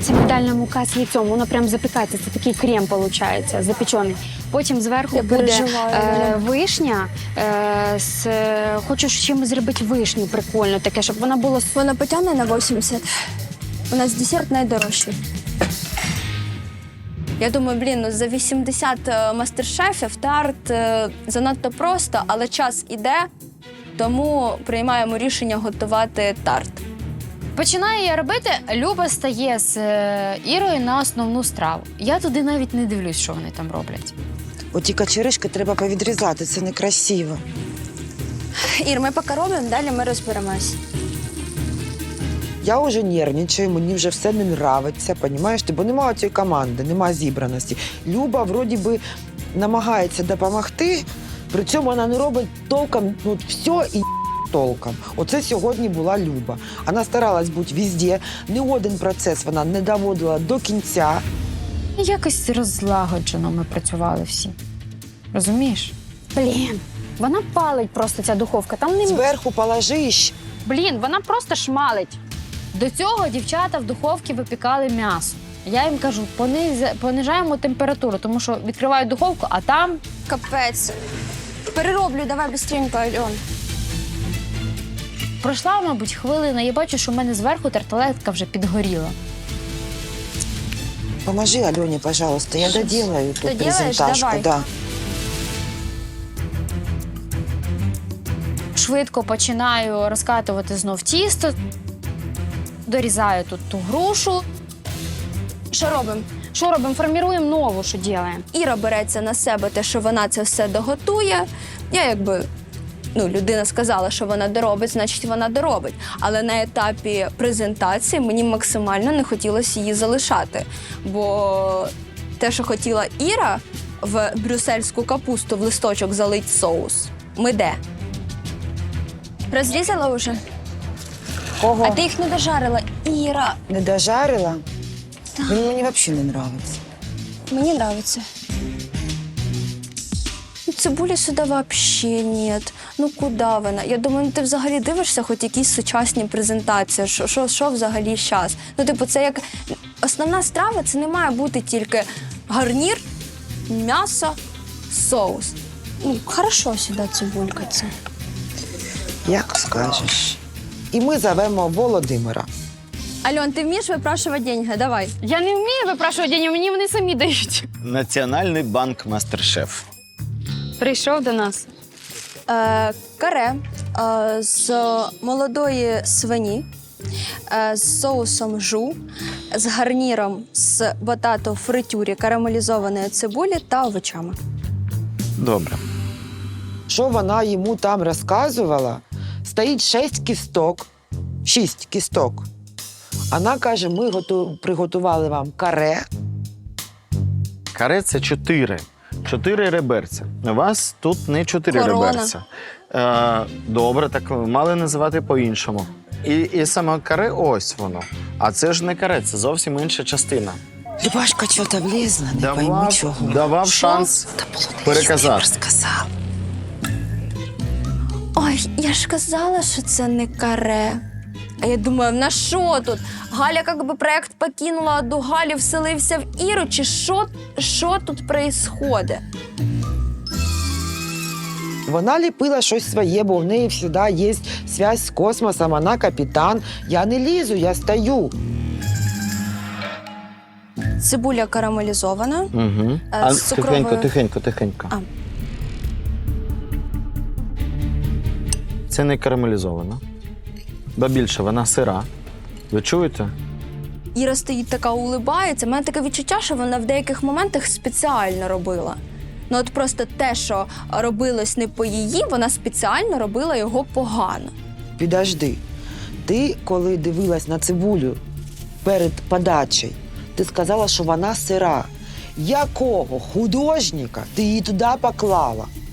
Це мигдальна мука з яйцом, воно прям запікається, це такий крем виходить, запечений. Потім зверху буде вишня. Хочу з чимось зробити вишню прикольно, таке, щоб вона була... Вона потягне на 80. У нас десерт найдорожчий. Я думаю, ну за 80 мастер-шефів тарт занадто просто, але час іде, тому приймаємо рішення готувати тарт. Починаю я робити, Люба стає з Ірою на основну страву. Я туди навіть не дивлюсь, що вони там роблять. Оті качеришки треба повідрізати, це некрасиво. Ір, ми поки робимо, далі ми розберемось. Я вже нервничаю, мені вже все не нравиться, понімаєш ти? Бо немає цієї команди, немає зібраності. Люба, вроді би, намагається допомогти, при цьому вона не робить толком, все і толком. Оце сьогодні була Люба. Вона старалась бути везде, ні один процес вона не доводила до кінця. Якось розлагоджено ми працювали всі. Розумієш? Блін, вона палить просто, ця духовка. Там не... Зверху положиш. Блін, вона просто шмалить. До цього дівчата в духовці випікали м'ясо. Я їм кажу, понижаємо температуру, тому що відкриваю духовку, а там... Капець. Перероблю, давай швидко, Альон. Пройшла, мабуть, хвилина, я бачу, що в мене зверху тарталетка вже підгоріла. Поможи Альоні, пожалуйста, я доделаю тут Доделаешь? презентажку. Давай. Да. Швидко починаю розкатувати знов тісто, дорізаю тут ту грушу. Що робимо? Що робимо? Форміруємо нову, що робимо. Іра береться на себе те, що вона це все доготує. Я людина сказала, що вона доробить, значить вона доробить. Але на етапі презентації мені максимально не хотілося її залишати. Бо те, що хотіла Іра в брюссельську капусту в листочок залить соус, ми де? Розрізала вже? Кого? А ти їх не дожарила. Іра. Не дожарила? Він мені взагалі не подобається. Мені подобається. Цибулі сюди взагалі нет. Ну куди вона? Я думаю, ти взагалі дивишся хоч якісь сучасні презентації, що взагалі зараз. Це як основна страва, це не має бути тільки гарнір, м'ясо, соус. Хорошо сюди цибулька це. Як скажеш. І ми зовемо Володимира. Альон, ти вмієш випрашувати деньги? Давай. Я не вмію випрашувати деньги, мені вони самі дають. Національний банк Мастер-шеф. Прийшов до нас. Каре з молодої свині, з соусом жу, з гарніром з батато фритюрі, карамелізованої цибулі та овочами. Добре. Що вона йому там розказувала? Стоїть 6 кісток. 6 кісток. Вона каже, ми приготували вам каре. Каре – це 4. 4 реберця. У вас тут не 4 Корона. реберця. Добре, так мали називати по-іншому. І саме каре – ось воно. А це ж не каре, це зовсім інша частина. Любашка чого-то влізла, не пойму чого. Давав шанс переказати. Розказав. Ой, я ж казала, що це не каре. А я думаю, на що тут? Галя якби проєкт покинула, а до Галі вселився в Іру, чи що тут відбувається? Вона ліпила щось своє, бо в неї завжди є зв'язок з космосом, вона капітан. Я не лізу, я стою. Цибуля карамелізована. Угу. З цукровою... Тихенько. А. Це не карамелізовано. Ба більше, вона сира. Ви чуєте? Іра стоїть така, улибається. У мене таке відчуття, що вона в деяких моментах спеціально робила. От просто те, що робилось не по її, вона спеціально робила його погано. Підожди. Ти, коли дивилась на цибулю перед подачею, ти сказала, що вона сира. Якого художника ти її туди поклала?